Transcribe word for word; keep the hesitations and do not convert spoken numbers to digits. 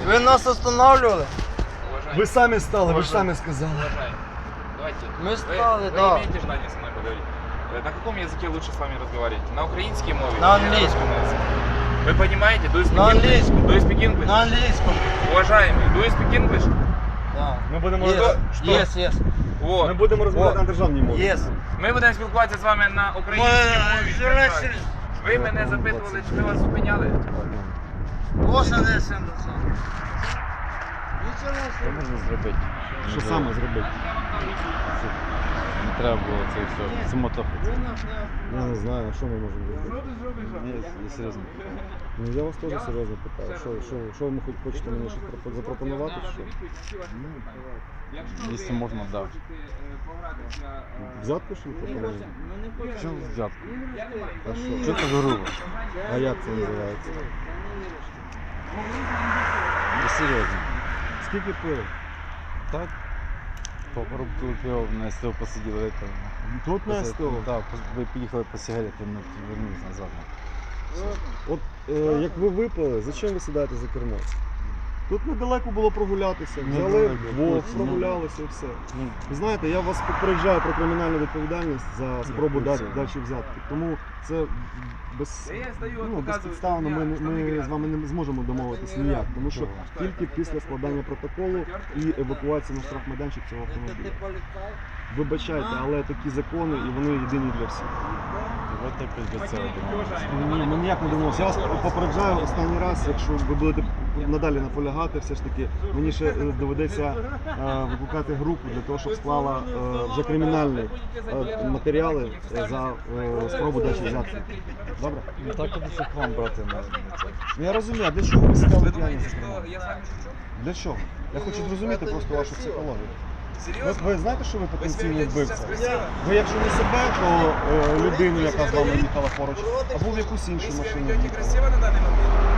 Ви нас останавливали? Ви самі стали, ви ж самі сказали. Давайте. Мы стали, вы, да. Вы имеете желание со мной поговорить? Э, На каком языке лучше с вами разговаривать? На украинский мове? На или английском. русском языке? Вы понимаете? Do you speak На English? английском. Do you speak English? На английском. Уважаемый, do you speak English? Да. Ми будемо Yes, розмовляти. yes, yes. Вот. Ми будемо розмовляти О. на державній мові. Yes. Ми будемо спілкуватися з вами на українській мові. Журналісти. Ви мене запитували, чи ми вас зупиняли? Ось не сам. Що можна зробити? Що саме зробити? Не треба було це все. Самотохати. Я не знаю, що ми можемо зробити. Ні, я серйозно. Ну я вас теж серйозно питаю. Що, що, що ви хоч хочете мені щось пропо- запропонувати? Що? Якщо можна, так. Да. Взятку що ви пропонуєте? Чому взятку? А що? Що так грубо? А як це називається? Я серйозно. Скільки пили? Так? По коробку пива на СТО посиділи. Там. Тут на СТО? Так, ви поїхали по сигарети, ми повернулися назад. От е, як ви випили, зачем ви сідаєте за кермо? Тут недалеко було прогулятися, взяли Недалеко, вдвох, точно. прогулялися і все. Ну, Ви знаєте, я вас попереджаю про кримінальну відповідальність за спробу це- дати дачі взятки. Тому це без, Я стою, ну, показую, безпідставно ми, що ми я з вами не зможемо домовитися ніяк, тому що тільки після складання протоколу і евакуації на штрафмайданчик цього автомобіля. Вибачайте, але такі закони і вони єдині для всіх. давайте якось до цього домовимося. Ні, ми ніяк не домовимося. Я вас попереджаю останній раз, якщо ви будете надалі наполягати, все ж таки мені ще е, доведеться е, викликати групу для того, щоб склала е, вже кримінальні е, матеріали е, за е, спробу дачі взятки. Добре? Ну так я б к вам брати на, на це. Ну я розумію, а для чого ви сідали Ви п'яні думаєте, за кермо? що я з вами шучу? Для чого? Я хочу зрозуміти просто вашу психологію. Ви, Серйозно? ви знаєте, що ви Ви себе потенційний ведете зараз вбивця? красиво? Ви якщо не себе, то е, людину, яка з вами їхала поруч, або в якусь іншу Вы себя машину. ведете красиво на данный момент?